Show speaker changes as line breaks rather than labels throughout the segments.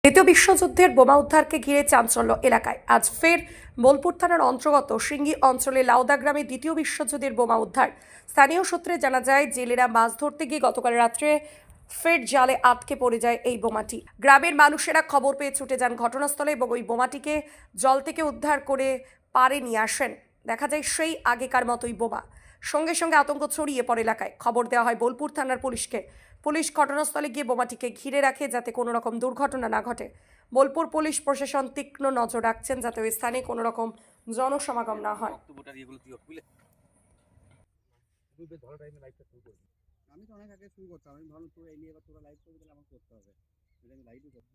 দ্বিতীয় বিশ্বযুদ্ধের বোমা উদ্ধারকে ঘিরে চাঞ্চল্য এলাকায়। আজ ফের বোলপুর থানার অন্তর্গত সিঙ্গি অঞ্চলে লাউদা গ্রামে দ্বিতীয় বিশ্বযুদ্ধের বোমা উদ্ধার। স্থানীয় সূত্রে জানা যায়, জেলেরা মাছ ধরতে গিয়ে গতকাল রাত্রে ফের জালে আটকে পড়ে যায় এই বোমাটি। গ্রামের মানুষেরা খবর পেয়ে ছুটে যান ঘটনাস্থলে এবং ওই বোমাটিকে জল থেকে উদ্ধার করে পাড়ে নিয়ে আসেন। দেখা যায় সেই আগেকার মতোই বোমা। সঙ্গে সঙ্গে আতঙ্ক ছড়িয়ে পড়ে এলাকায়। খবর দেওয়া হয় বোলপুর থানার পুলিশকে। পুলিশ ঘটনাস্থলে গিয়ে বোমাটিকে ঘিরে রাখে যাতে কোনো রকম দুর্ঘটনা না ঘটে। বোলপুর পুলিশ প্রশাসন তীক্ষ্ণ নজর রাখছেন যাতে ওই স্থানে কোনো রকম জনসমাগম না হয়।
আমি তো অনেক আগে শুরু করতাম। আমি ভাবলাম তোরা এলিয়ে এবার তোরা লাইভ করবি, তাহলে আমার করতে হবে। আমি লাইভই করছি।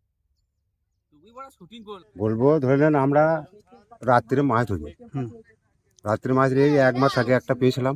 বলবো ধরে নেন আমরা রাত্রে মাছ ধরি, রাত্রে মাছ ধরে 1 মাস আগে একটা পেয়েছিলাম,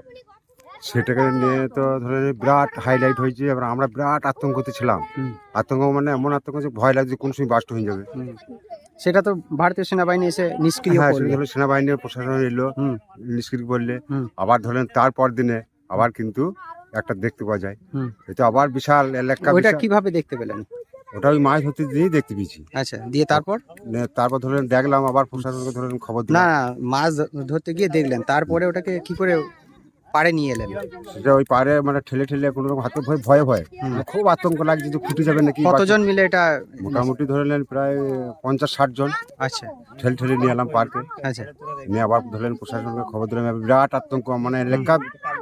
সেটাকে নিয়ে তো ধরে নিন বিরাট হাইলাইট হয়েছে। এবার আমরা বিরাট আতঙ্কতে ছিলাম। আতঙ্ক মানে এমন আতঙ্ক যে ভয় লাগছে কোন সময় বাস্ট হয়ে যাবে।
সেটা তো ভারতীয় সেনাবাহিনী এসে নিষ্ক্রিয়
হ্যাঁ,
করলো।
ধরুন সেনাবাহিনীর প্রশাসন এলো, নিষ্ক্রিয় করলে আবার ধরেন তারপর দিনে আবার কিন্তু একটা দেখতে পাওয়া যায়। এটা আবার বিশাল এলাকা।
ওইটা কিভাবে দেখতে পেলেন?
ওটা ওই মাছ ধরতে দিয়েই দেখতে পেয়েছি।
আচ্ছা, দিয়ে তারপর
তারপর ধরেন দেখলাম, আবার প্রশাসনকে ধরেন খবর
না
দিলাম।
মাছ ধরতে গিয়ে দেখলেন, তারপরে ওটাকে কি করে পাড়ে নিয়ে এলেন?
এটা ওই পারে মানে ঠেলে ঠেলে কোনো রকম হাতে ভয়ে ভয়ে খুব আতঙ্ক লাগছে যে ফুটে যাবে নাকি।
কতজন মিলে এটা?
মোটামুটি ধরে নেন প্রায় 50-60 জন
আচ্ছা
ঠেলে ঠেলে নিয়ে এলাম পার্কে।
আচ্ছা,
নিয়ে আবার ধরলেন প্রশাসনকে খবর দিলাম। বিরাট আতঙ্ক, মানে এলাকা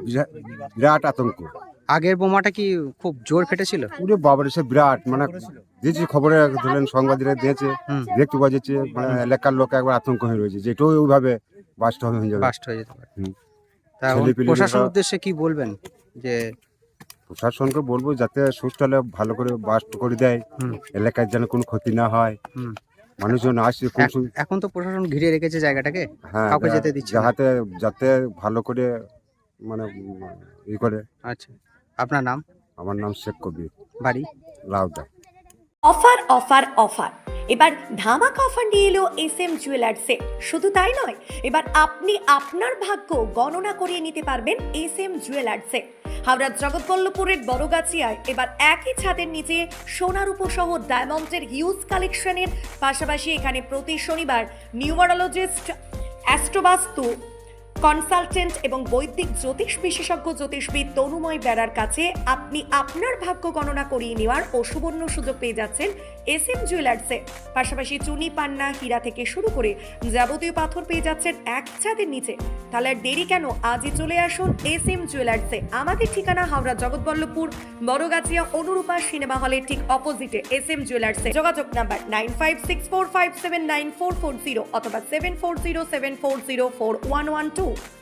বিরাট আতঙ্ক।
আগের বোমাটা কি খুব জোর ফেটেছিল?
পুরো বাবার এসে বিরাট মানে দিয়েছি খবরে, ধরলেন সাংবাদিকরা দিয়েছে, দেখতে পাওয়া যাচ্ছে। মানে এলাকার লোক একবার আতঙ্ক হয়ে রয়েছে যে এটাও ওইভাবে বাস্ট হয়ে যাবে।
বাস্ট হয়ে যেতে পারে।
হুম।
তা এখন
ছেলেপিলেরা-
প্রশাসনের উদ্দেশ্যে কি বলবেন? যে
প্রশাসনকে বলবো যাতে সুস্থলে ভালো করে বাস্ট করে দেয়, এলাকার যেন কোনো ক্ষতি না হয়। মানুষজন আসছে কোন সময়।
এখন তো প্রশাসন ঘিরে রেখেছে জায়গাটাকে,
হ্যাঁ,
কাউকে যেতে দিচ্ছে না।
যাতে ভালো করে মানে ই করে।
আচ্ছা, আপনার নাম?
আমার নাম শেখ কবির,
বাড়ি?
লাউদা।
অফার অফার অফার, এবার ধামাকা অফার নিয়ে এলো SM জুয়েলার্সে। শুধু তাই নয়, এবার আপনি আপনার ভাগ্য গণনা করিয়ে নিতে পারবেন SM জুয়েলার্সে। হাওড়ার জগৎবল্লপুরের বড়গাছিয়ায় এবার একই ছাদের নিচে সোনার উপসহ ডায়মন্ডের হিউজ কালেকশনের পাশাপাশি এখানে প্রতি শনিবার নিউমারোলজিস্ট, অ্যাস্ট্রোবাস্তু কনসালটেন্ট এবং বৈদিক জ্যোতিষ বিশেষজ্ঞ জ্যোতিষবিদ তনুময় বেড়ার কাছে আপনি আপনার ভাগ্য গণনা করিয়ে নেওয়ার ও সুবর্ণ সুযোগ পেয়ে যাচ্ছেন SM জুয়েলার্সে। পাশাপাশি চুনি, পান্না, হীরা থেকে শুরু করে যাবতীয় পাথর পেয়ে যাচ্ছেন এক ছাদের নিচে। তাহলে আর দেরি কেন, আজই চলে আসুন SM জুয়েলার্সে। আমাদের ঠিকানা হাওড়া জগৎবল্লভপুর বড়গাছিয়া অনুরূপা সিনেমা হলের ঠিক অপোজিটে SM জুয়েলার্সে। যোগাযোগ নাম্বার 9564579440 অথবা 7407404112।